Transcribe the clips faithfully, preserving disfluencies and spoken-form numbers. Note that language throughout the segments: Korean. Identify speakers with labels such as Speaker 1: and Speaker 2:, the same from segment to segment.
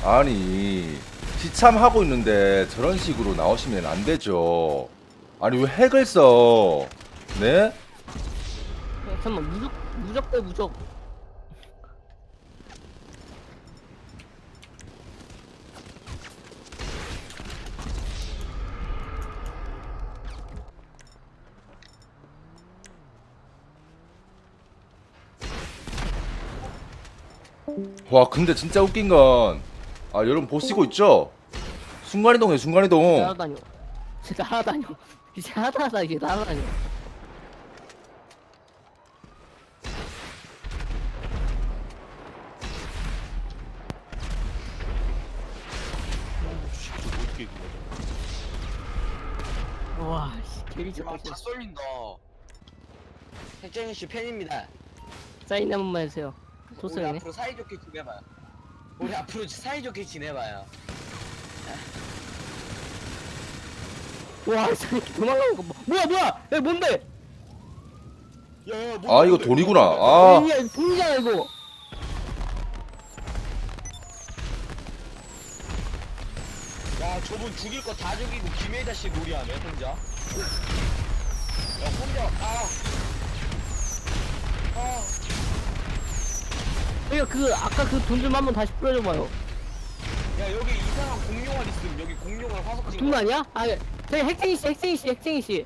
Speaker 1: 아니 시참하고 있는데 저런 식으로 나오시면 안 되죠. 아니 왜 핵을 써? 네?
Speaker 2: 잠깐만 무적 무적 대 무적.
Speaker 1: 와 근데 진짜 웃긴 건 아 여러분 보시고 있죠? 순간이동해 순간이동.
Speaker 2: 날아다녀. 진짜 날아다녀. 이제 하다하다 이게 날아다녀.
Speaker 3: 어떻게 이거?
Speaker 2: 와, 씨, 개리
Speaker 4: 아,
Speaker 2: 쳤다.
Speaker 4: 다 쏠린다. 핵쟁이 씨 팬입니다.
Speaker 2: 사인 한 번만 해주세요.
Speaker 4: 우리
Speaker 2: 좋습니다.
Speaker 4: 앞으로 사이좋게 지내봐요. 우리 앞으로 사이좋게 지내봐요.
Speaker 2: 와, 저 도망가는 거 뭐, 뭐야, 뭐야? 야, 뭔데?
Speaker 4: 야, 야,
Speaker 1: 아 이거 돈이구나. 아
Speaker 2: 야, 이거 돈이잖아, 이거.
Speaker 4: 야, 저분 죽일 거 다 죽이고 김혜자 씨 놀이하네 혼자. 야, 혼자. 아. 아.
Speaker 2: 이거 그 아까 그 돈 좀 한번 다시 뿌려줘봐요.
Speaker 4: 야, 여기 이상한 공룡알 있음. 여기 공룡알 화석 찍은
Speaker 2: 돈
Speaker 4: 거.
Speaker 2: 아니야? 아, 저기 핵쟁이 씨, 핵쟁이 씨, 핵쟁이 씨.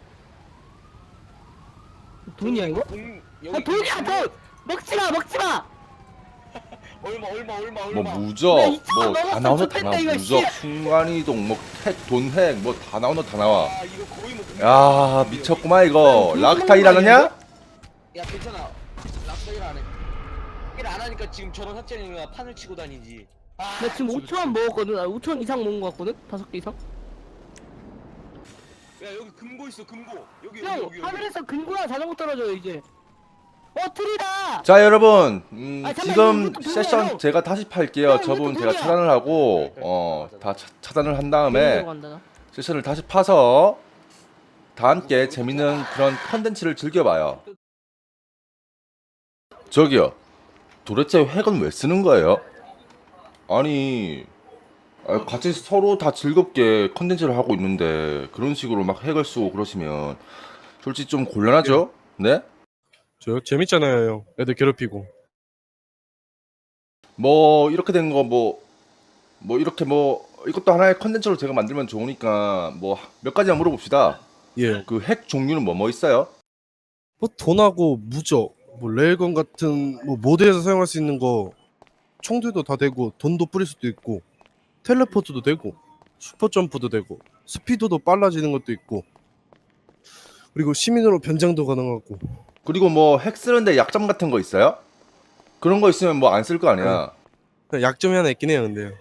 Speaker 2: 돈이야 이거?
Speaker 4: 공,
Speaker 2: 아, 돈이야 돈! 먹지 마, 먹지 마!
Speaker 4: 얼마 얼마 얼마
Speaker 1: 뭐
Speaker 4: 얼마.
Speaker 1: 무적
Speaker 2: 야, 이천
Speaker 1: 뭐 다
Speaker 2: 넘었어,
Speaker 1: 나오는 다
Speaker 2: 좋겠다,
Speaker 1: 나와.
Speaker 2: 이거,
Speaker 1: 무적
Speaker 2: 씨.
Speaker 1: 순간이동 뭐 핵 돈핵 뭐 다 나오는 다 나와.
Speaker 4: 아, 이거 거의 뭐.
Speaker 1: 야 미쳤구만 이거.
Speaker 2: 야,
Speaker 1: 락타 일하느냐?
Speaker 4: 야, 괜찮아. 락서일 안 해. 일 안 하니까 지금 저런 학생이가 판을 치고 다니지. 아,
Speaker 2: 나 지금 오천 원 먹었거든. 아, 오천 원 이상 먹은 거 같거든? 다섯 개 이상?
Speaker 4: 야, 여기 금고 있어, 금고. 여기 여기
Speaker 2: 형,
Speaker 4: 여기. 여기.
Speaker 2: 하늘에서 근고랑 자전거 떨어져요, 이제. 어, 트리다!
Speaker 1: 자 여러분 음,
Speaker 2: 아, 잠깐만,
Speaker 1: 지금
Speaker 2: 이것도 돈이야,
Speaker 1: 세션
Speaker 2: 형.
Speaker 1: 제가 다시 팔게요.
Speaker 2: 형,
Speaker 1: 저분
Speaker 2: 이것도
Speaker 1: 제가
Speaker 2: 돈이야.
Speaker 1: 차단을 하고 어 다 차단을 한 다음에
Speaker 2: 돈으로 간다, 나.
Speaker 1: 세션을 다시 파서 다 함께 재밌는 그런 컨텐츠를 즐겨봐요. 저기요 도대체 핵은 왜 쓰는 거예요? 아니 아, 같이 서로 다 즐겁게 컨텐츠를 하고 있는데 그런 식으로 막 핵을 쓰고 그러시면 솔직히 좀 곤란하죠? 네?
Speaker 3: 저 재밌잖아요, 형. 애들 괴롭히고.
Speaker 1: 뭐 이렇게 된 거 뭐 뭐 이렇게 뭐 이것도 하나의 컨텐츠로 제가 만들면 좋으니까 뭐 몇 가지만 물어봅시다.
Speaker 3: 예.
Speaker 1: 그 핵 종류는 뭐 뭐 있어요?
Speaker 3: 뭐 돈하고 무적, 뭐 레일건 같은 뭐 모드에서 사용할 수 있는 거 총들도 다 되고 돈도 뿌릴 수도 있고 텔레포트도 되고 슈퍼 점프도 되고 스피드도 빨라지는 것도 있고 그리고 시민으로 변장도 가능하고
Speaker 1: 그리고 뭐 핵 쓰는데 약점 같은 거 있어요? 그런 거 있으면 뭐 안 쓸 거 아니야.
Speaker 3: 그냥 약점이 하나 있긴 해요, 근데요.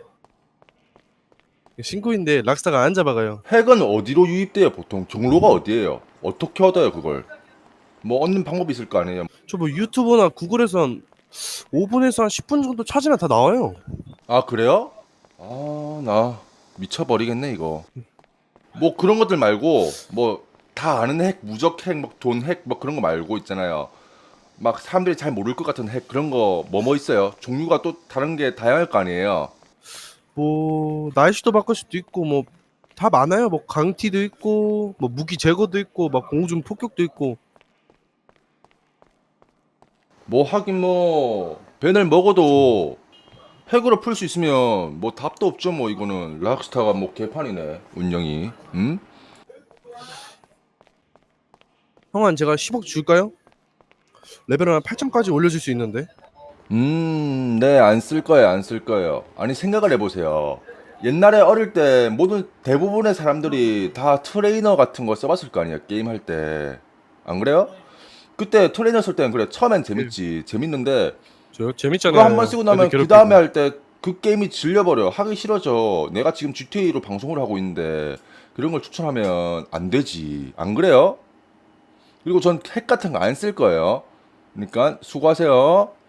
Speaker 3: 신고인데 락스타가 안 잡아가요.
Speaker 1: 핵은 어디로 유입돼요? 보통 경로가 어디예요? 어떻게 얻어요 그걸? 뭐 얻는 방법이 있을 거 아니에요?
Speaker 3: 저 뭐 유튜브나 구글에서 한 오 분에서 한 십 분 정도 찾으면 다 나와요.
Speaker 1: 아 그래요? 아 나 미쳐버리겠네 이거. 뭐 그런 것들 말고 뭐 다 아는 핵, 무적 핵, 막 돈 핵, 막 그런 거 말고 있잖아요. 막 사람들이 잘 모를 것 같은 핵 그런 거 뭐 뭐 있어요? 종류가 또 다른 게 다양할 거 아니에요.
Speaker 3: 뭐 날씨도 바꿀 수도 있고 뭐 다 많아요. 뭐 강티도 있고 뭐 무기 제거도 있고 막 공중 폭격도 있고.
Speaker 1: 뭐 하긴 뭐 벤을 먹어도 핵으로 풀 수 있으면 뭐 답도 없죠 뭐 이거는. 락스타가 뭐 개판이네 운영이. 음?
Speaker 3: 형한 제가 십억 줄까요? 레벨을 한 팔 점까지 올려줄 수 있는데.
Speaker 1: 음, 네, 안 쓸 거예요, 안 쓸 거예요. 아니, 생각을 해보세요. 옛날에 어릴 때 모든 대부분의 사람들이 다 트레이너 같은 거 써봤을 거 아니에요, 게임 할 때. 안 그래요? 그때 트레이너 쓸 때는 그래, 처음엔 재밌지, 재밌는데
Speaker 3: 저 재밌잖아요.
Speaker 1: 그거 한 번 쓰고 나면
Speaker 3: 애들
Speaker 1: 그
Speaker 3: 괴롭히고.
Speaker 1: 다음에 할 때 그 게임이 질려버려. 하기 싫어져. 내가 지금 지티에이로 방송을 하고 있는데 그런 걸 추천하면 안 되지. 안 그래요? 그리고 전 핵 같은 거 안 쓸 거예요. 그러니까 수고하세요.